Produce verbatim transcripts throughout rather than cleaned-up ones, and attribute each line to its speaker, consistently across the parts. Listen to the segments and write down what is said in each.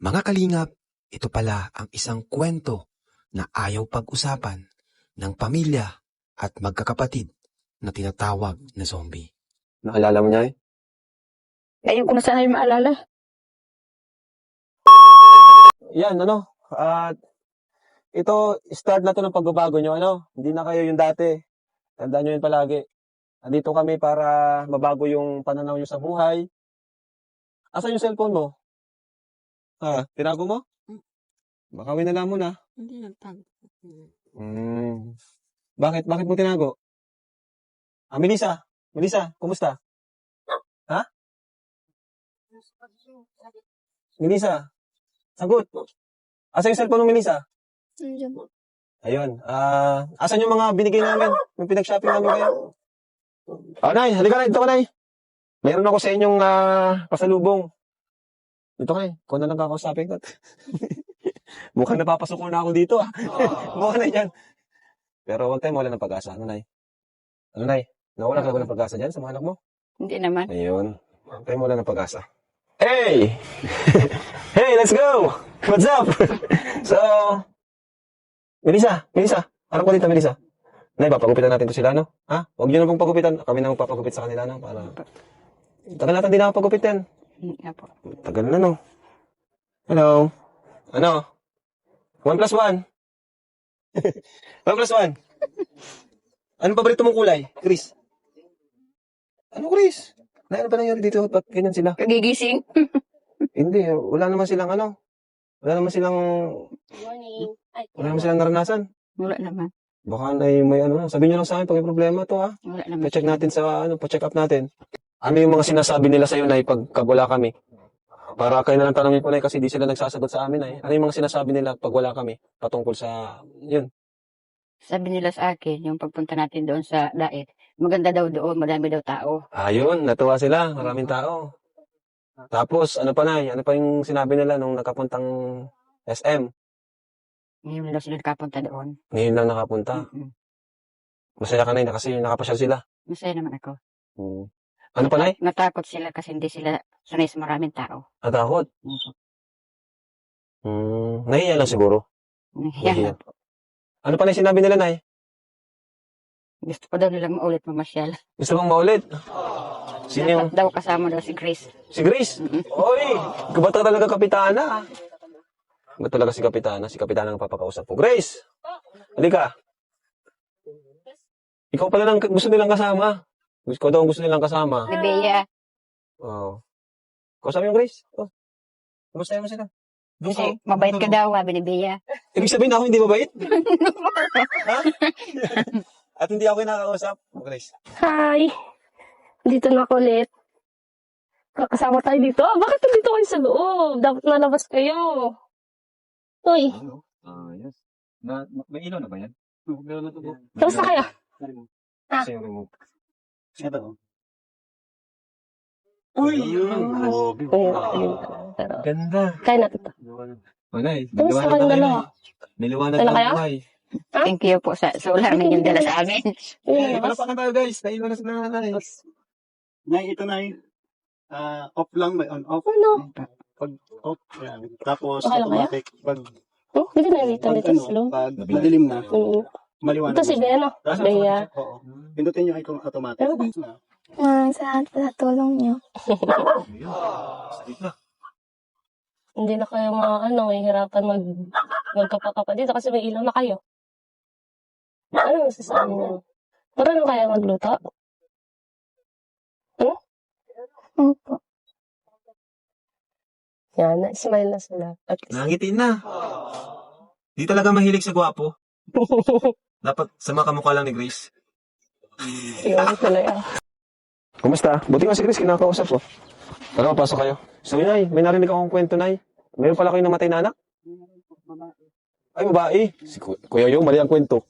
Speaker 1: Mga kalingap, ito pala ang isang kwento na ayaw pag-usapan ng pamilya at magkakapatid na tinatawag na zombie. Naalala mo niya eh?
Speaker 2: Ayun ko na sana yung maalala.
Speaker 3: Yan, ano, at ito, start na to ng pagbabago nyo, ano, hindi na kayo yung dati. Tandaan nyo yun palagi. Andito kami para mabago yung pananaw nyo sa buhay. Asan yung cellphone mo? Ha, tinago mo? Baka winala mo na.
Speaker 2: Hindi nagtago.
Speaker 3: Hmm. Bakit? Bakit mo tinago? Ah, Melissa. Melissa, kumusta? Ha? Melissa, sagot. Asan yung cellphone mo, Melissa?
Speaker 2: Nandiyan.
Speaker 3: Ayun. Ah, asan yung mga binigay namin? Yung pinag-shopping namin kayo? Ah, Nay, halika na. Dito ka, Nay. Meron ako sa inyong ah, pasalubong. Dito ka, Nay. Kung na lang kakausapin ko. Mukhang napapasok ko na ako dito, ah. Mukhang na dyan. Pero huwag tayo mawala ng pag-asa. Ano, Nay? Ano, Nay? Nawala ka ba ng pag-asa dyan sa mga anak mo?
Speaker 2: Hindi naman.
Speaker 3: Ayun. Huwag tayo mawala ng pag-asa. Hey! Hey, let's go! What's up? So, Melissa, Melissa. Harap ko dito, Melissa. Nay, papagupitan natin to sila, no? Ha? Huwag nyo na pong pagupitan. Kami na magpapagupit sa kanila, no? Para... Tagal natin din ako pagupitin.
Speaker 2: Hindi nga po.
Speaker 3: Tagal na, no? Hello? Ano? One plus one. One plus one. Anong paborito mong kulay, Chris? Ano, Chris? Na, ano ba nangyari dito? Ba't ganyan sila?
Speaker 2: Kagigising.
Speaker 3: Hindi, wala naman silang ano. Wala naman silang...
Speaker 2: Morning. Ay,
Speaker 3: Wala naman silang naranasan.
Speaker 2: wala naman.
Speaker 3: Baka na may ano, sabihin nyo lang sa akin pag may problema to, ha?
Speaker 2: Wala naman.
Speaker 3: Pa-check natin sa, ano, pa-check up natin. Ano yung mga sinasabi nila sa'yo, Nay, pag wala kami? Para kayo na lang tanongin ko, Nay, kasi di sila nagsasagot sa amin, Nay. Ano yung mga sinasabi nila pag wala kami? Patungkol sa, yun.
Speaker 2: Sabi nila sa akin, yung pagpunta natin doon sa Daet, maganda daw doon, madami daw tao.
Speaker 3: Ayun, natuwa sila. Maraming tao. Tapos, ano pa, Nay? Ano pa yung sinabi nila nung nakapuntang S M?
Speaker 2: Ngayon daw sila nakapunta doon.
Speaker 3: Ngayon lang nakapunta.
Speaker 2: Mm-mm.
Speaker 3: Masaya ka, Nay, na kasi nakapasyal sila.
Speaker 2: Masaya naman ako.
Speaker 3: Hmm. Ano pa, Nay?
Speaker 2: Natakot sila kasi hindi sila sanay sa maraming tao.
Speaker 3: Natakot. Hmm. Nahiya lang siguro.
Speaker 2: Nahiya.
Speaker 3: Ano pa na sinabi nila, Nay?
Speaker 2: Gusto pa daw nilang maulit mamasyal.
Speaker 3: Gusto mong maulit? Sino yung...
Speaker 2: Dapat daw kasama daw si Grace.
Speaker 3: Si Grace? Oy! Ba't ka talaga kapitana? Ba't talaga si kapitana? Si kapitana ang papakausap ko. Grace! Halika. Ikaw pala lang gusto nilang kasama. Ikaw daw ang gusto nilang kasama.
Speaker 2: Si Bea.
Speaker 3: Oo. Oh. Kausapin mo, Grace. Oh. Kumusta mo sila? Doon
Speaker 2: Kasi mabait ka daw, sabi ni Bea.
Speaker 3: Ibig sabihin ako hindi mabait? Ha? At hindi ako kinakausap? Grace.
Speaker 4: Hi! Dito na ako ulit. Kakasama tayo dito. Ah, bakit nandito kayo sa loob? Dapat nalabas kayo. Uy,
Speaker 5: Ano? Ah, yes. Na, na- may ilaw na ba yan? Meron na to.
Speaker 4: kamusta kayo? Ah.
Speaker 3: Kasi yung remote.
Speaker 5: Ito.
Speaker 3: Uy!
Speaker 5: Oh,
Speaker 4: Ayun, ayun. Pero,
Speaker 3: Ganda.
Speaker 4: kaya natin to.
Speaker 5: wala eh.
Speaker 4: Kamusta
Speaker 5: Niliwanag
Speaker 4: kayong
Speaker 5: na
Speaker 4: dalawa?
Speaker 5: kayo. Niliwanag
Speaker 4: Dala
Speaker 5: na
Speaker 4: kayo?
Speaker 5: buhay.
Speaker 2: Thank you po sa solar na yung dala sa amin.
Speaker 4: Ayun,
Speaker 3: Eh,
Speaker 4: nalabas.
Speaker 3: palapakan tayo guys. Nailan na sila nanay.
Speaker 5: Nay, ito na yun. Ah, off lang, may on off.
Speaker 4: Ano?
Speaker 5: Pag off, yan. Tapos
Speaker 4: Okay lang kaya?
Speaker 5: automatic. Pag,
Speaker 4: Oh, dito na dito
Speaker 5: pag
Speaker 4: dito
Speaker 5: ano,
Speaker 4: sa loob.
Speaker 5: pag madilim na,
Speaker 4: Mm.
Speaker 5: maliwanag.
Speaker 4: Ito si
Speaker 5: na.
Speaker 4: Bea, no?
Speaker 5: Tapos
Speaker 4: Bea.
Speaker 5: automatic, Oo. Pindutin nyo ito automatic.
Speaker 4: Pero-
Speaker 5: Na.
Speaker 6: Ah, sa, sa tulong niyo.
Speaker 4: Hindi na kayo mga ano, mahihirapan mag magkapakapa dito kasi may ilaw na kayo. Ano masasabi niyo? Marunong kaya magluto?
Speaker 6: Opo.
Speaker 4: Yan, na-smile na sila. At least.
Speaker 3: Nangitin na. Di talaga mahilig sa gwapo. Dapat sama kamukha lang ni Grace.
Speaker 4: Yun talaga.
Speaker 3: Kumusta? Buti nga si Grace, kinakausap ko. Tara, pasok kayo. So, Nay, may narinig akong kwento, Nay. Meron pala kayong namatay na anak? Ay, babae. Si Ku- Kuya Yung, mali ang kwento.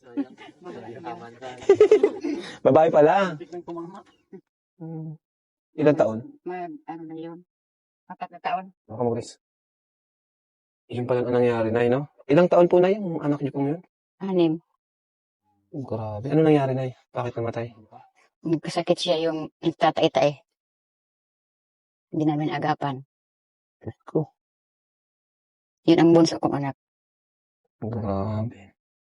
Speaker 3: Babae pala. Hmm. Ilan taon?
Speaker 2: Mag, ano na yun? Apat na taon.
Speaker 3: Baka mo, Grace. Yun pala ang nangyari, Nay, no? Ilang taon po, Nay, yung anak niyo pong yun?
Speaker 2: Anim.
Speaker 3: Oh, grabe. Ano nangyari, Nay? Bakit namatay?
Speaker 2: Nagkasakit siya yung nagtatay-tay. Hindi namin agapan.
Speaker 3: Ko.
Speaker 2: Yun ang bunso kong anak.
Speaker 3: Grabe.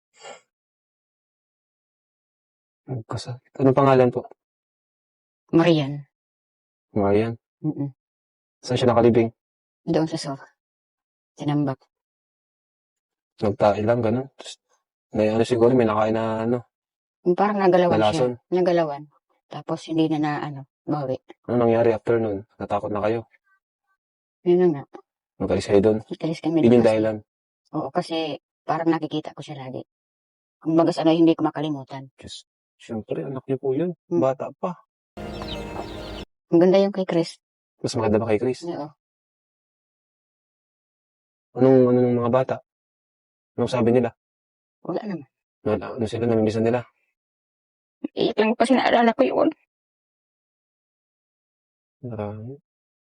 Speaker 3: Magkasakit. Anong pangalan po?
Speaker 2: Marian.
Speaker 3: Marian.
Speaker 2: Mm-mm.
Speaker 3: Saan siya nakalibing?
Speaker 2: Doon sa sofa. Sinambak.
Speaker 3: Nagtae lang, ganun. Tapos, may ano siguro, may nakain na ano,
Speaker 2: Yung parang nagalawan
Speaker 3: nalason.
Speaker 2: siya. Nagalawan. Tapos hindi na na ano, bawi.
Speaker 3: Ano nangyari after nun? Natakot na kayo?
Speaker 2: Yun na nga.
Speaker 3: Magalis kayo doon?
Speaker 2: Italis kami
Speaker 3: Yun
Speaker 2: doon
Speaker 3: yung
Speaker 2: kasi-
Speaker 3: dahilan.
Speaker 2: Oo, kasi parang nakikita ko siya lagi. Kung bagas ano, hindi ko makalimutan.
Speaker 3: Diyos, siyempre, anak niyo po yun.
Speaker 2: Hmm.
Speaker 3: Bata pa.
Speaker 2: Ang ganda yung kay Chris.
Speaker 3: Mas maganda ba kay Chris?
Speaker 2: Oo.
Speaker 3: Anong, ano ng mga bata? Anong sabi nila?
Speaker 2: Wala naman.
Speaker 3: Ano, ano sila, namimisan nila?
Speaker 2: Iyak lang kasi naalala ko yun.
Speaker 3: Marami.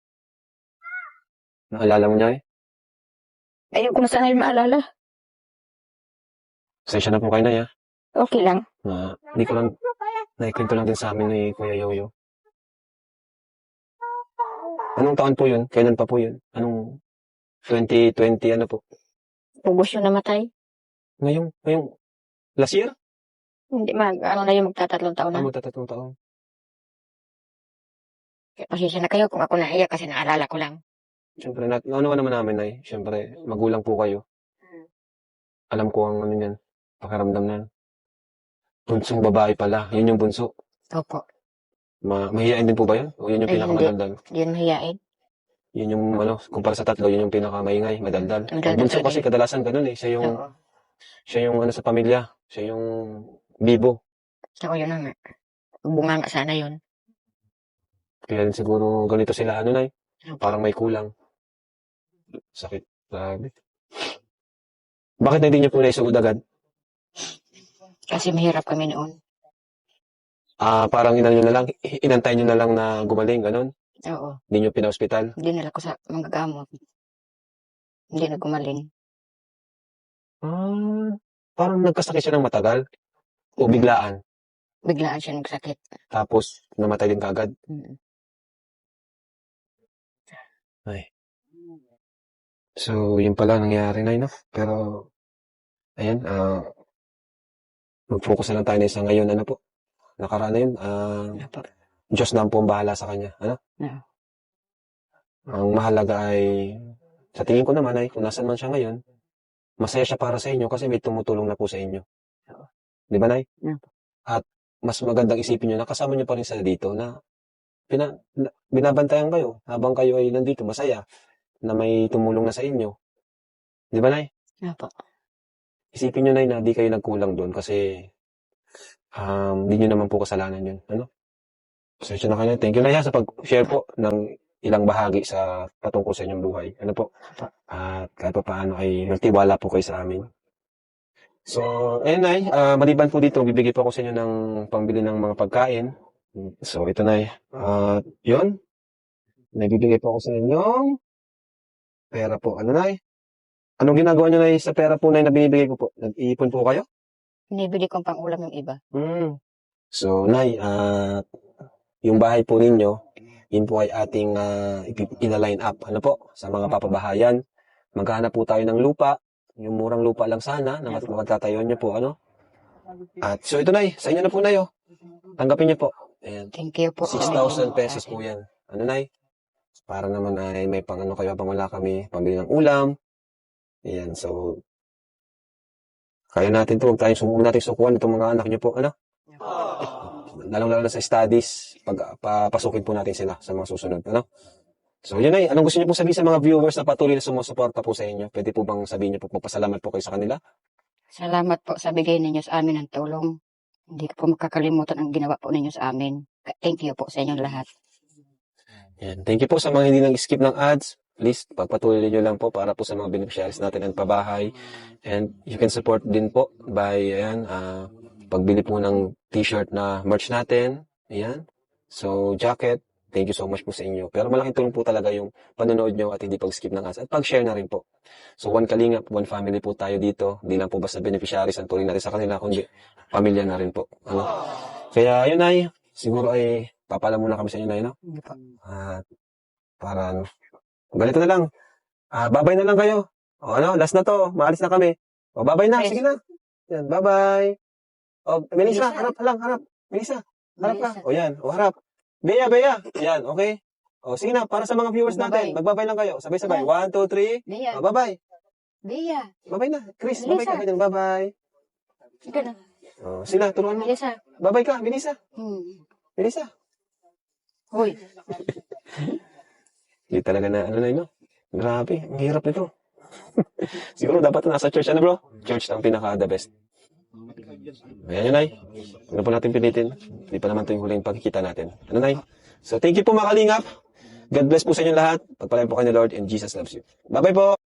Speaker 3: Naalala mo niya eh?
Speaker 2: Ayoko na sana yung maalala.
Speaker 3: Pasensya na po kayo na ya.
Speaker 2: Okay lang.
Speaker 3: Na, hindi ko lang, naikwento lang din sa amin ni Kuya Yoyo. Anong taon po yun? Kailan pa po yun? Anong twenty twenty ano po?
Speaker 2: Pugos yung namatay.
Speaker 3: Ngayong, ngayong, last year?
Speaker 2: Hindi mag, ano na yung magtatatlong taon
Speaker 3: Ah,
Speaker 2: na.
Speaker 3: magtatatong taon.
Speaker 2: Kaya pasensya na kayo kung ako naiyak kasi naalala ko lang.
Speaker 3: Siyempre, nat ano naman namin ay, siyempre, magulang po kayo. Alam ko ang ano niyan, pakiramdam na. Bunsong babae pala, yun yung bunso.
Speaker 2: Opo.
Speaker 3: Ma mahihain din po ba yun? O yun yung
Speaker 2: Ay,
Speaker 3: pinakamadaldal?
Speaker 2: Hindi yun mahiyain.
Speaker 3: Yun yung ano, kumpara sa tatlo, yun yung pinakamaingay, madaldal. Ang
Speaker 2: Madaldal
Speaker 3: bunso
Speaker 2: talaga
Speaker 3: kasi
Speaker 2: yun.
Speaker 3: kadalasan ganun eh, siya yung,
Speaker 2: Oo.
Speaker 3: siya yung ano sa pamilya, siya yung bibo.
Speaker 2: Ako yun na nga. Bunga nga sana yun.
Speaker 3: Kaya rin siguro ganito sila, ano na parang may kulang. Sakit, grabe. Bakit na hindi niyo po naisugod agad?
Speaker 2: Kasi mahirap kami noon.
Speaker 3: Ah, parang inano nyo na lang, inantay nyo na lang na gumaling, ganun.
Speaker 2: Oo.
Speaker 3: Hindi nyo pina-hospital.
Speaker 2: Dinala ko sa manggagamot. Hindi na gumaling.
Speaker 3: Ah, parang nagkasakit siya ng matagal. O biglaan.
Speaker 2: Biglaan siya nagsakit.
Speaker 3: Tapos, namatay din kagad.
Speaker 2: Mm.
Speaker 3: Ay. So, yun pala nangyari na, no? Pero, ayan, ah, mag-focus na lang tayo na isa ngayon, ano po? Nakaraan na yun, ah,
Speaker 2: Opo.
Speaker 3: Diyos na po ang bahala sa kanya, ano?
Speaker 2: Oo.
Speaker 3: Ang mahalaga ay, sa tingin ko naman ay, kung nasan man siya ngayon, masaya siya para sa inyo kasi may tumutulong na po sa inyo.
Speaker 2: Oo.
Speaker 3: Di ba, Nay?
Speaker 2: Opo.
Speaker 3: At, mas magandang isipin nyo na kasama nyo pa rin sila dito na, pina, na, binabantayan kayo habang kayo ay nandito, masaya, na may tumulong na sa inyo. Di ba, Nay?
Speaker 2: Opo.
Speaker 3: Isipin nyo, Nay, na di kayo nagkulang doon kasi um, di nyo naman po kasalanan yun. Ano? Pasensya na kayo. Thank you, Nay, ha, sa pag-share po ng ilang bahagi sa patungkol sa inyong buhay. Ano po? At kahit pa paano ay nagtiwala po kayo sa amin. So, ayun, Nay, ah, maliban po dito, bibigay po ako sa inyo ng pambili ng mga pagkain. So, ito, Nay. At yun, nagbibigay po ako sa inyo pera po. Ano, Nay? Anong ginagawa nyo, Nay, sa pera po, Nay, na binibigay ko po? Nag-iipon po kayo?
Speaker 2: Binibili kong pang-ulam yung iba.
Speaker 3: Hmm. So, Nay, ah, yung bahay po ninyo, yun po ay ating uh, ina-line up. Ano po? Sa mga papabahayan. Maghanap po tayo ng lupa. Yung murang lupa lang sana na mat- magtatayo nyo po. Ano? At so, ito, Nay. Sa inyo na po, Nay. Oh. Tanggapin nyo po. Ayan.
Speaker 2: Thank you po.
Speaker 3: six thousand pesos po yan. Ano, Nay? Para naman ay may pang ano kayo habang wala kami. Pambili ng ulam. Ayan. So, kaya natin to. Huwag tayong sumuko natin sukuan itong mga anak nyo po. Ano? Lalong-lalo na sa studies, pag papasukin po natin sila sa mga susunod. Ano? So, yun ay, anong gusto niyo po sabihin sa mga viewers na patuloy na sumusuporta po sa inyo? Pwede po bang sabihin niyo po, magpasalamat po kayo sa kanila?
Speaker 2: Salamat po sa bigay ninyo sa amin ng tulong. Hindi ko po makakalimutan ang ginawa po ninyo sa amin. Thank you po sa inyong lahat.
Speaker 3: Yan. Thank you po sa mga hindi nag-skip ng ads. Please, pagpatuloy niyo lang po para po sa mga beneficiaries natin ng pabahay. And you can support din po by, ayan, ah, pagbili po ng t-shirt na merch natin. Ayan. So, jacket. Thank you so much po sa inyo. Pero malaking tulong po talaga yung panonood nyo at hindi pag-skip ng ads. At pag-share na rin po. So, one kalingap, one family po tayo dito. Hindi lang po basta beneficiaries ang tuloy natin sa kanila, kundi pamilya na rin po. Ano? Kaya, yun ay, siguro ay, papala muna kami sa inyo na yun, no?
Speaker 2: Hindi po.
Speaker 3: At, para, ano, ganito na lang. Ah, babay na lang kayo. O ano, last na to. Maalis na kami. O, bye-bye na.
Speaker 2: Yes.
Speaker 3: Sige na. Yan, bye-bye. O, Melissa,
Speaker 2: Melissa.
Speaker 3: harap lang, harap. Melissa, harap ka.
Speaker 2: Melissa.
Speaker 3: O, yan. O, harap. Bea, Bea. Yan, okay. O, sige na, para sa mga viewers natin.
Speaker 2: Bye-bye.
Speaker 3: Magbabay lang kayo. Sabay-sabay.
Speaker 2: Bye.
Speaker 3: One, two, three.
Speaker 2: Bea,
Speaker 3: O, bye-bye.
Speaker 2: Bea,
Speaker 3: Bye-bye na. Chris, bye-bye ka.
Speaker 2: Melissa.
Speaker 3: Ganyan, bye-bye.
Speaker 2: sige na.
Speaker 3: O, sila, turuan mo.
Speaker 2: Melissa.
Speaker 3: Bye-bye ka, Melissa.
Speaker 2: Hmm.
Speaker 3: Melissa.
Speaker 2: Hoy,
Speaker 3: Hindi talaga na, ano na yun, no? Grabe, ang hirap nito. Siguro dapat nasa church, ano bro? Church ang pinaka-the best. Ayan yun, Nay. Huwag na po natin pilitin. Hindi pa naman ito yung huling pagkikita natin. Ano, Nay? So, thank you po mga kalingap. God bless po sa inyo lahat. Pagpalain po kayo ni Lord and Jesus loves you. Bye-bye po!